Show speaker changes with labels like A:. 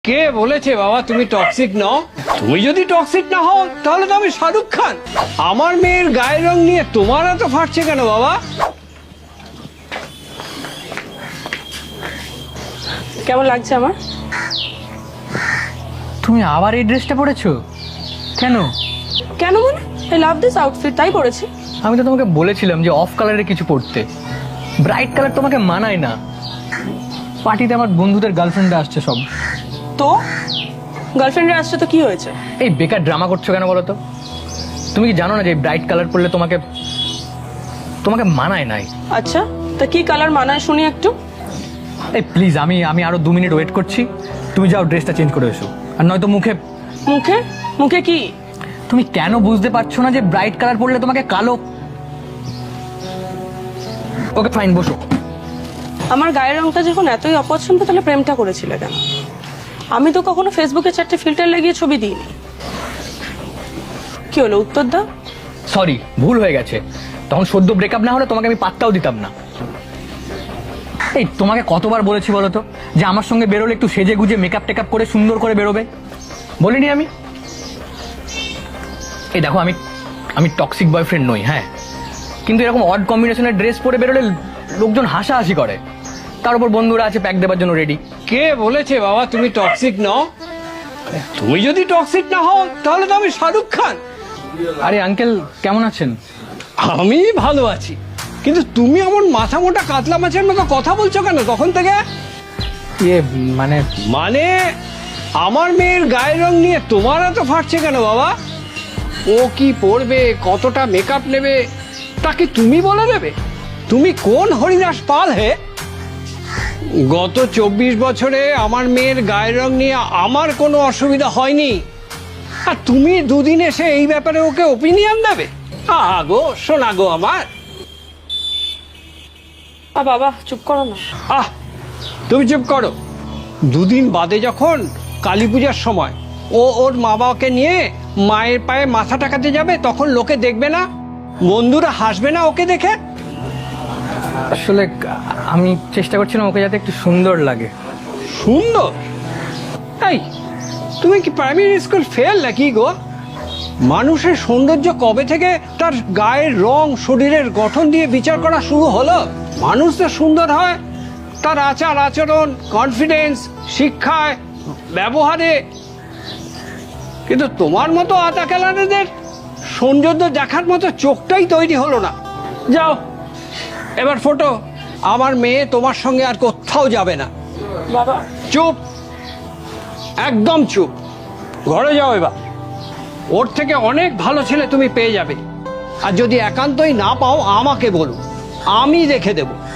A: কে বলেছে বাবা তুমি টক্সিক নও? তুমি যদি টক্সিক না হও তাহলে তো আমি শাহরুখ খান। আমার মেয়ের গায়ের রং নিয়ে তোমার এত ফাটছে কেন বাবা?
B: কেমন লাগছে আমার?
C: তুমি আবার এই ড্রেসটা পরেছো কেন?
B: কেন মানে আই লাভ দিস আউটফিট, তাই পরেছি।
C: আমি তো তোমাকে বলেছিলাম যে অফ কালারের কিছু পরতে, ব্রাইট কালার তোমাকে মানায় না। পার্টিতে আমার বন্ধুদের গার্লফ্রেন্ডরা আসছে সব।
B: তো গার্লফ্রেন্ডের আসছে তো কি হয়েছে?
C: এই বেকার ড্রামা করছো কেন বলো তো? তুমি কি জানো না যে ব্রাইট কালার পরলে তোমাকে তোমাকে মানায় নাই?
B: আচ্ছা, তা কি কালার মানায় শুনি একটু।
C: এই প্লিজ, আমি আমি আরো 2 মিনিট ওয়েট করছি। তুমি যাও ড্রেসটা চেঞ্জ করে এসো, আর নয়তো মুখে
B: মুখে মুখে কি?
C: তুমি কেন বুঝতে পারছো না যে ব্রাইট কালার পরলে তোমাকে কালো? ওকে ফাইন, বসো।
B: আমার গায়ের রংটা যখন এতই অপছন্দ তাহলে প্রেমটা করেছিলে কেন? আমি তো কখনো ফেসবুকে 4টে ফিল্টার লাগিয়ে ছবি দিইনি। কি হলো, উত্তর দাও।
C: সরি, ভুল হয়ে গেছে। তখন সদ্য ব্রেকআপ না হলে তোমাকে আমি পাত্তাও দিতাম না। এই তোমাকে কতবার বলেছি বলো তো যে আমার সঙ্গে বেরোলে একটু সেজে গুজে মেকআপ টেকআপ করে সুন্দর করে বেরোবে? বলিনি আমি? এই দেখো, আমি আমি টক্সিক বয়ফ্রেন্ড নই, হ্যাঁ, কিন্তু এরকম অড কম্বিনেশনের ড্রেস পরে বেরোলে লোকজন হাসাহাসি করে। তার উপর বন্ধুরা আছে প্যাক দেওয়ার জন্য রেডি।
A: কে বলেছে বাবা তুমি টক্সিক নও? তুমি যদি টক্সিক না হও তাহলে তো আমি শাহরুখ খান।
C: আরে আঙ্কেল, কেমন আছেন?
A: আমি ভালো আছি, কিন্তু তুমি এমন মাথা মোটা কাতলা মাছের মতো কথা বলছো কেন তখন থেকে?
C: ইয়ে মানে
A: মানে আমার মেয়ের গায়ের রং নিয়ে তোমার এত ফাটছে কেন বাবা? ও কি পরবে, কতটা মেকআপ নেবে, তাকে তুমি বলে দেবে? তুমি কোন হরিদাস পাল হে? গত 24 বছরে আমার মেয়ের গায়ের রং নিয়ে আমার কোনো অসুবিধা হয়নি, আর তুমি দুদিন এসে এই ব্যাপারে ওকে ওপিনিয়ন দেবে? গো শোনা গো আমার।
B: বাবা চুপ করো না।
A: তুমি চুপ করো। দুদিন বাদে যখন কালী পূজার সময় ও ওর মা বাবাকে নিয়ে মায়ের পায়ে মাথা টাকাতে যাবে, তখন লোকে দেখবে না, বন্ধুরা হাসবে না ওকে দেখে?
C: আসলে আমি চেষ্টা করছিলাম ওকে যাতে একটু সুন্দর লাগে।
A: সুন্দর? এই তুমি কি প্রাইমারি স্কুল ফেল নাকি গো? মানুষের সৌন্দর্য কবে থেকে তার গায়ের রং শরীরের গঠন দিয়ে বিচার করা শুরু হলো? মানুষ তো সুন্দর হয় তার আচার আচরণ, কনফিডেন্স, শিক্ষায়, ব্যবহারে। কিন্তু তোমার মতো আতা খেলানেদের সৌন্দর্য দেখার মতো চোখটাই তৈরি হলো না। যাও এবার ফটো। আমার মেয়ে তোমার সঙ্গে আর কোথাও যাবে না।
B: বাবা
A: চুপ, একদম চুপ। ঘরে যাও এবার। ওর থেকে অনেক ভালো ছেলে তুমি পেয়ে যাবে, আর যদি একান্তই না পাও আমাকে বলো, আমি দেখে দেবো।